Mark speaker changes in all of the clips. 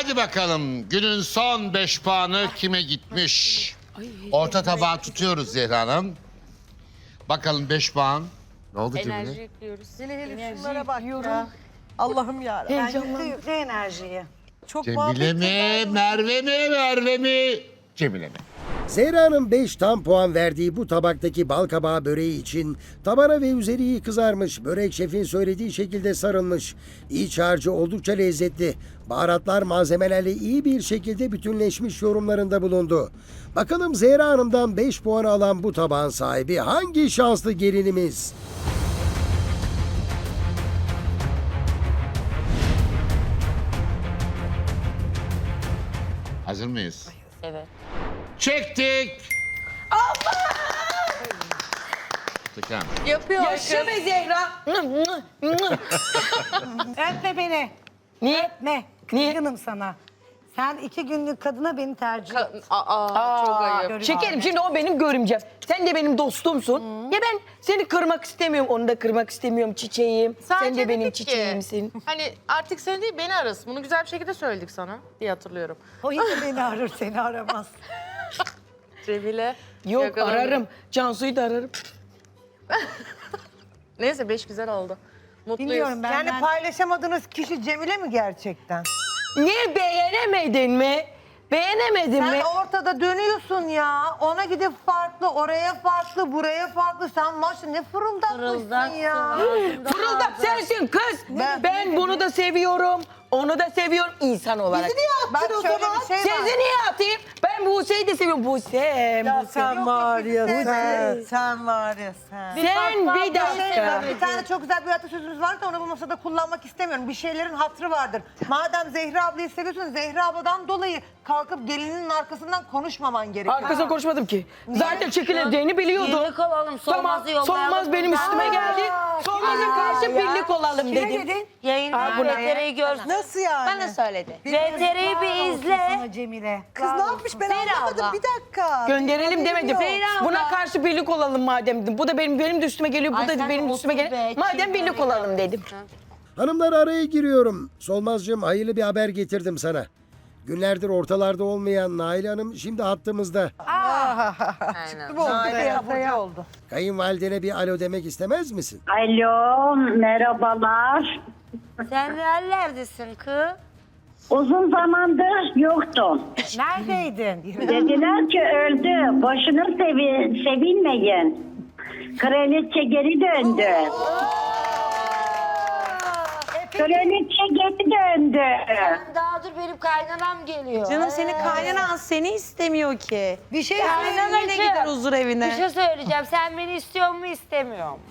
Speaker 1: Hadi bakalım günün son 5 puanı kime gitmiş? Orta tabağı tutuyoruz Zehra Hanım. Bakalım 5 puan. Ne oldu Cemile?
Speaker 2: Enerji ekliyoruz.
Speaker 3: Hele şunlara bak ya. Allah'ım yarabbim.
Speaker 4: Ben yükle enerjiyi.
Speaker 3: Çok
Speaker 1: Cemile
Speaker 3: muhabbet
Speaker 1: mi,
Speaker 3: eder.
Speaker 1: Merve mi, Merve mi? Cemile mi?
Speaker 5: Zehra'nın 5 tam puan verdiği bu tabaktaki balkabağı böreği için tabana ve üzeri iyi kızarmış. Börek şefin söylediği şekilde sarılmış. İç harcı oldukça lezzetli. Baharatlar malzemelerle iyi bir şekilde bütünleşmiş yorumlarında bulundu. Bakalım Zehra Hanım'dan 5 puan alan bu tabağın sahibi hangi şanslı gelinimiz?
Speaker 1: Hazır mıyız?
Speaker 2: Evet.
Speaker 1: Çektik. Allah!
Speaker 2: Yapıyor.
Speaker 3: Yaşa be Zehra.
Speaker 4: Öpme beni.
Speaker 3: Niye?
Speaker 4: Öpme. Kızgınım sana. Sen 2 günlük kadına beni tercih et.
Speaker 2: Çok ayıp.
Speaker 3: Şekerim şimdi o benim görümcem. Sen de benim dostumsun. Ya ben seni kırmak istemiyorum. Onu da kırmak istemiyorum çiçeğim. Sen de benim
Speaker 2: dedik ki,
Speaker 3: çiçeğimsin.
Speaker 2: Hani artık sen değil beni arasın. Bunu güzel bir şekilde söyledik sana diye hatırlıyorum.
Speaker 4: O yine beni arır, seni aramaz.
Speaker 2: Cemile.
Speaker 3: Yok
Speaker 2: yakalandı.
Speaker 3: ararım. Cansu'yu da ararım.
Speaker 2: Neyse 5 güzel oldu. Mutluyuz.
Speaker 4: Bilmiyorum ben.
Speaker 6: Yani paylaşamadığınız kişi Cemile mi gerçekten?
Speaker 3: Niye beğenemedin mi? Beğenemedin
Speaker 6: Sen
Speaker 3: mi?
Speaker 6: ortada dönüyorsun ya. Ona gidip farklı, oraya farklı, buraya farklı. Sen maçta ne fırıldatmışsın ya.
Speaker 3: Fırıldak sensin kız. Ben bunu da seviyorum. Onu da seviyorum insan olarak.
Speaker 6: Bizi niye attın o zaman? Bir şey var.
Speaker 3: Sizi niye atayım? Ben Buse'yi de seviyorum. Buse.
Speaker 6: Sen var ya sen var ya sen.
Speaker 3: Sen bir
Speaker 6: Bir
Speaker 3: dakika.
Speaker 6: tane çok güzel bir atasözümüz var da onu bu masada kullanmak istemiyorum. Bir şeylerin hatırı vardır. Madem Zehra ablayı seviyorsun, Zehra abladan dolayı kalkıp gelinin arkasından konuşmaman gerekiyor.
Speaker 3: Arkasına konuşmadım ki. Zaten çekileceğini biliyordum.
Speaker 2: Birlik olalım.
Speaker 3: Tamam,
Speaker 2: Solmaz'ı yollayalım.
Speaker 3: Solmaz benim üstüme geldi. Solmaz'a karşı birlik olalım
Speaker 4: Ne
Speaker 3: dedim.
Speaker 4: dedin?
Speaker 2: Yayında
Speaker 3: bu ne?
Speaker 2: VTR'yi görsün.
Speaker 6: Nasıl yani?
Speaker 2: Bana söyledi.
Speaker 4: Yazıklar
Speaker 2: VTR'yi bir
Speaker 4: olsun
Speaker 2: izle.
Speaker 4: sana Cemile.
Speaker 6: Kız ne yapmış ben
Speaker 2: Zehra
Speaker 6: anlamadım.
Speaker 2: abla.
Speaker 6: Bir dakika.
Speaker 3: Gönderelim demedim.
Speaker 2: Zehra abla.
Speaker 3: Buna karşı birlik olalım madem dedim. Bu da benim de üstüme geliyor. Bu
Speaker 2: Ay
Speaker 3: da
Speaker 2: sen
Speaker 3: benim
Speaker 2: otur
Speaker 3: üstüme
Speaker 2: be,
Speaker 3: geliyor.
Speaker 2: kim
Speaker 3: Madem birlik
Speaker 2: böyle
Speaker 3: olalım dedim.
Speaker 5: Hanımlar araya giriyorum. Solmazcığım hayırlı bir haber getirdim sana. Günlerdir ortalarda olmayan Nail Hanım şimdi hattımızda.
Speaker 2: Aynen.
Speaker 6: Bu oldu. Ne oldu?
Speaker 5: Kayınvalidene bir alo demek istemez misin?
Speaker 7: Alo, merhabalar.
Speaker 2: Sen nerelerdesin kız?
Speaker 7: Uzun zamandır yoktum.
Speaker 4: Neredeydin?
Speaker 7: Dediler ki öldü, boşuna sevinmeyin. Kraliçe geri döndü. Kraliçe geri döndü.
Speaker 2: Daha dur benim kaynanam geliyor.
Speaker 8: Canım senin kaynanan seni istemiyor ki.
Speaker 4: Bir şey
Speaker 2: Kaynanacığım,
Speaker 8: Yine gider huzur evine.
Speaker 2: Bir şey söyleyeceğim. Sen beni istiyor mu istemiyor mu?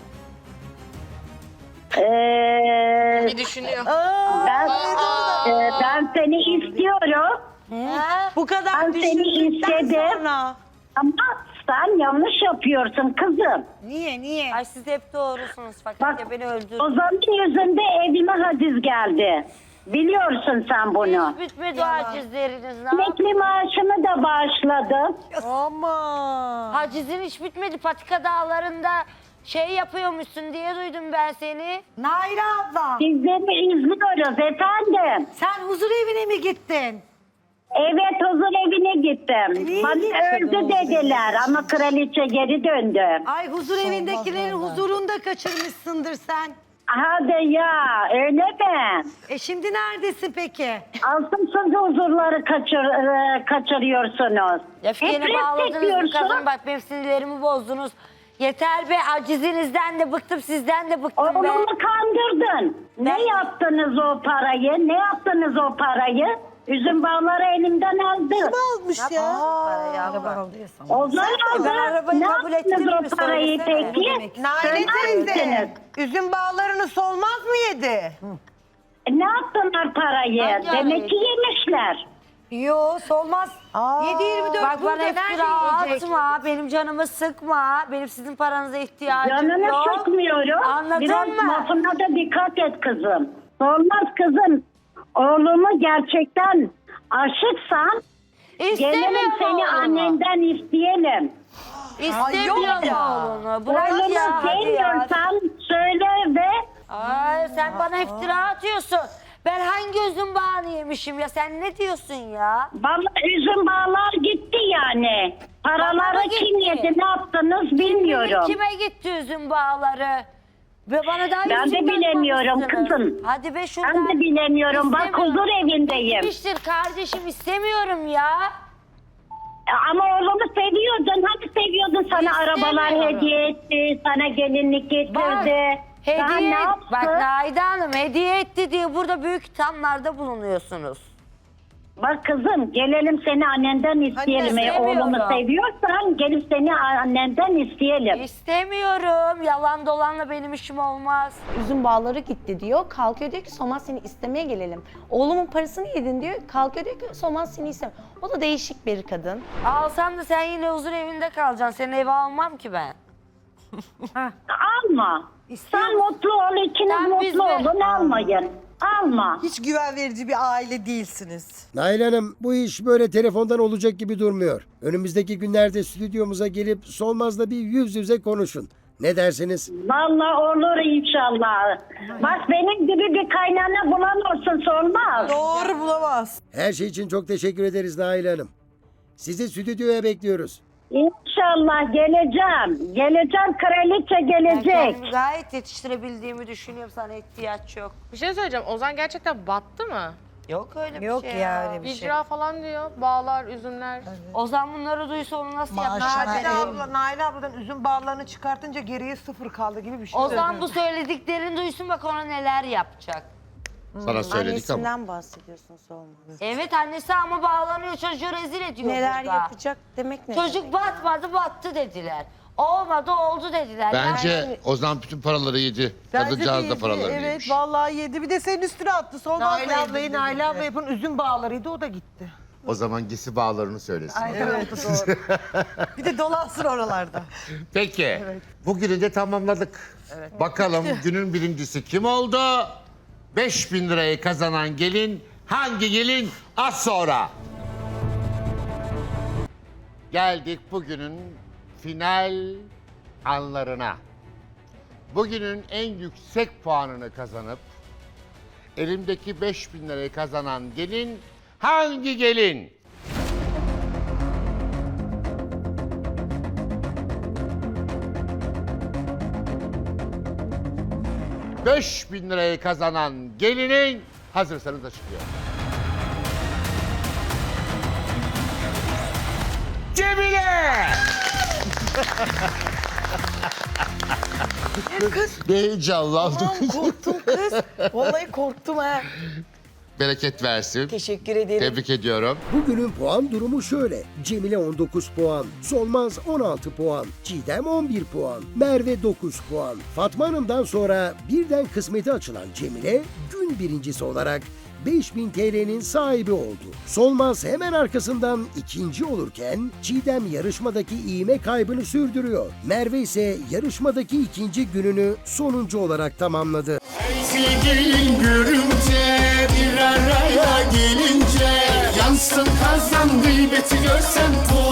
Speaker 2: Bir düşünüyor.
Speaker 7: Ben, ben seni istiyorum
Speaker 8: Bu kadar
Speaker 7: Ben seni
Speaker 8: düşündükten
Speaker 7: istedim.
Speaker 8: sonra.
Speaker 7: ama sen yanlış yapıyorsun kızım.
Speaker 4: Niye?
Speaker 2: Ay siz hep doğrusunuz fakat
Speaker 7: Bak
Speaker 2: ya beni öldürdün.
Speaker 7: o zaman yüzünde evime haciz geldi. Biliyorsun sen bunu.
Speaker 2: Hiç bitmedi o hacizleriniz.
Speaker 7: Emekli maaşımı da bağışladım.
Speaker 6: Ama.
Speaker 2: Hacizin hiç bitmedi. Patika dağlarında şey yapıyormuşsun diye duydum ben seni.
Speaker 4: Nail abla.
Speaker 7: Sizleri izliyoruz efendim.
Speaker 4: Sen huzur evine mi gittin?
Speaker 7: Evet huzur evine gittim.
Speaker 4: Niye
Speaker 7: Bana
Speaker 4: gittin
Speaker 7: öldü dediler ama kraliçe geri döndü.
Speaker 4: Ay huzur evindekilerin huzurunu da kaçırmışsındır sen.
Speaker 7: Hadi ya öyle mi?
Speaker 4: Şimdi neredesin peki?
Speaker 7: Altın huzurları kaçırıyorsunuz.
Speaker 2: Öfkeni
Speaker 7: Hep
Speaker 2: bağladınız bu
Speaker 7: çekiyorsun.
Speaker 2: kadın. Bak benim sinirlerimi bozdunuz. Yeter be acizinizden de bıktım sizden de bıktım be.
Speaker 7: Oğlumu kandırdın. Ne yaptınız o parayı? Ne yaptınız o parayı? Üzüm bağları elimden aldı.
Speaker 6: Almış ya.
Speaker 7: Onlar aldı.
Speaker 2: arabayı
Speaker 7: Ne
Speaker 2: kabul
Speaker 7: yaptınız
Speaker 2: ettim mi?
Speaker 7: o parayı
Speaker 2: Söylesene.
Speaker 7: peki?
Speaker 6: Naile
Speaker 7: Söyler
Speaker 6: teyze.
Speaker 7: misiniz?
Speaker 6: Üzüm bağlarını solmaz mı yedi?
Speaker 7: Ne yaptılar parayı?
Speaker 2: Hangi
Speaker 7: Demek
Speaker 2: arayı?
Speaker 7: ki yemişler.
Speaker 4: Yo solmaz. 7-24
Speaker 2: Bak bana
Speaker 4: burada
Speaker 2: iftira
Speaker 4: nerede yiyecek?
Speaker 2: atma, benim canımı sıkma. Benim sizin paranıza ihtiyacım
Speaker 7: Canını
Speaker 2: yok.
Speaker 7: sıkmıyorum.
Speaker 2: Anladın
Speaker 7: Biraz
Speaker 2: mı?
Speaker 7: lafına da dikkat et kızım. Olmaz kızım. Oğlumu gerçekten aşıksan gelelim seni
Speaker 2: oğlumu.
Speaker 7: annenden isteyelim.
Speaker 2: İstemiyorum oğlunu. Bırak
Speaker 7: Oğlumu
Speaker 2: ya hadi ya.
Speaker 7: sevmiyorsan söyle ve
Speaker 2: Ay, sen bana iftira atıyorsun. Ben hangi üzüm bağını yemişim ya? Sen ne diyorsun ya?
Speaker 7: Vallahi üzüm bağlar gitti yani. Paraları
Speaker 2: Bana
Speaker 7: kim
Speaker 2: gitti.
Speaker 7: yedi, ne yaptınız bilmiyorum.
Speaker 2: Kime gitti üzüm bağları? Ve bana daha
Speaker 7: Ben de
Speaker 2: üzüm
Speaker 7: bilemiyorum
Speaker 2: bakmamışsınız.
Speaker 7: kızım.
Speaker 2: Hadi be şuradan.
Speaker 7: Ben de bilemiyorum. Bak
Speaker 2: İstemiyorum.
Speaker 7: huzur evindeyim.
Speaker 2: Gitmiştir kardeşim, istemiyorum ya.
Speaker 7: Ama oğlumu seviyordun. Hani seviyordun, sana arabalar
Speaker 2: İstemiyorum.
Speaker 7: hediye etti. Sana gelinlik getirdi. Daha ne
Speaker 2: Hediye,
Speaker 7: yaptı?
Speaker 2: bak Naide Hanım hediye etti diye burada büyük ithamlarda bulunuyorsunuz.
Speaker 7: Bak kızım, gelelim seni annenden isteyelim.
Speaker 2: istemiyorum.
Speaker 7: Oğlumu seviyorsan gelip seni annenden isteyelim.
Speaker 2: İstemiyorum. Yalan dolanla benim işim olmaz.
Speaker 8: Üzüm bağları gitti diyor. Kalkıyor diyor ki Solmaz seni istemeye gelelim. Oğlumun parasını yedin diyor. Kalkıyor diyor ki Solmaz seni istemem. O da değişik bir kadın.
Speaker 2: Alsam da sen yine huzur evinde kalacaksın. Senin eve almam ki ben.
Speaker 7: Alma. Sen mutlu ol, ikiniz
Speaker 2: Sen biz
Speaker 7: mutlu
Speaker 2: de-
Speaker 7: olun, almayın. Alma.
Speaker 9: Hiç güven verici bir aile değilsiniz.
Speaker 5: Nail Hanım, bu iş böyle telefondan olacak gibi durmuyor. Önümüzdeki günlerde stüdyomuza gelip Solmaz'la bir yüz yüze konuşun. Ne dersiniz?
Speaker 7: Vallahi olur inşallah. Bak benim gibi bir kaynana bulan olsun, sormaz.
Speaker 9: Doğru bulamaz.
Speaker 5: Her şey için çok teşekkür ederiz Nail Hanım. Sizi stüdyoya bekliyoruz.
Speaker 7: İnşallah geleceğim. Geleceğim, kraliçe
Speaker 2: Ben
Speaker 7: gelecek.
Speaker 2: kendimi gayet yetiştirebildiğimi düşünüyorum. Sana ihtiyaç yok.
Speaker 10: Bir şey söyleyeceğim. Ozan gerçekten battı mı?
Speaker 2: Yok öyle bir
Speaker 4: Yok
Speaker 2: şey
Speaker 4: ya öyle bir şey.
Speaker 10: İcra falan diyor. Bağlar, üzümler.
Speaker 2: Ozan bunları duysa onu nasıl yapar?
Speaker 6: Naile abladan üzüm bağlarını çıkartınca geriye 0 kaldı gibi bir şey.
Speaker 2: Ozan bu söylediklerini duysun bak ona neler yapacak.
Speaker 1: Sana söyledik ama.
Speaker 8: Annesinden bahsediyorsun Solmaz.
Speaker 2: Evet annesi ama bağlanıyor çocuğu rezil ediyor
Speaker 8: Neler
Speaker 2: burada.
Speaker 8: yapacak demek ne?
Speaker 2: Çocuk batmadı battı dediler. Olmadı oldu dediler.
Speaker 1: Bence
Speaker 2: Yani
Speaker 1: Ozan bütün paraları yedi.
Speaker 9: Bence
Speaker 1: Kadıncağız da
Speaker 9: yedi.
Speaker 1: paraları
Speaker 9: Evet
Speaker 1: yemiş.
Speaker 9: vallahi yedi. Bir de senin üstüne attı. Solmaz
Speaker 6: Naile ablayı Naile abla yapın üzüm bağlarıydı, o da gitti.
Speaker 1: O zaman gisi bağlarını söylesin.
Speaker 9: Evet doğru. Bir de dolansın oralarda.
Speaker 1: Peki. Bugünü de tamamladık. Bakalım günün birincisi kim oldu? 5.000 lirayı kazanan gelin hangi gelin? Az sonra. Geldik bugünün final anlarına. Bugünün en yüksek puanını kazanıp elimdeki 5.000 lirayı kazanan gelin hangi gelin? ...5.000 lirayı kazanan gelinin... ...hazırsanız açıklıyor. Cemile! Ne heyecanlandım.
Speaker 3: Korktum kız. Vallahi korktum ha.
Speaker 1: Bereket versin.
Speaker 3: Teşekkür ederim.
Speaker 1: Tebrik ediyorum.
Speaker 5: Bugünün puan durumu şöyle. Cemile 19 puan, Solmaz 16 puan, Çiğdem 11 puan, Merve 9 puan. Fatma Hanım'dan sonra birden kısmeti açılan Cemile gün birincisi olarak 5.000 TL'nin sahibi oldu. Solmaz hemen arkasından ikinci olurken Çiğdem yarışmadaki iğme kaybını sürdürüyor. Merve ise yarışmadaki ikinci gününü sonuncu olarak tamamladı.
Speaker 11: Gelin görünce bir araya gelince yansın kazan gıybeti görsen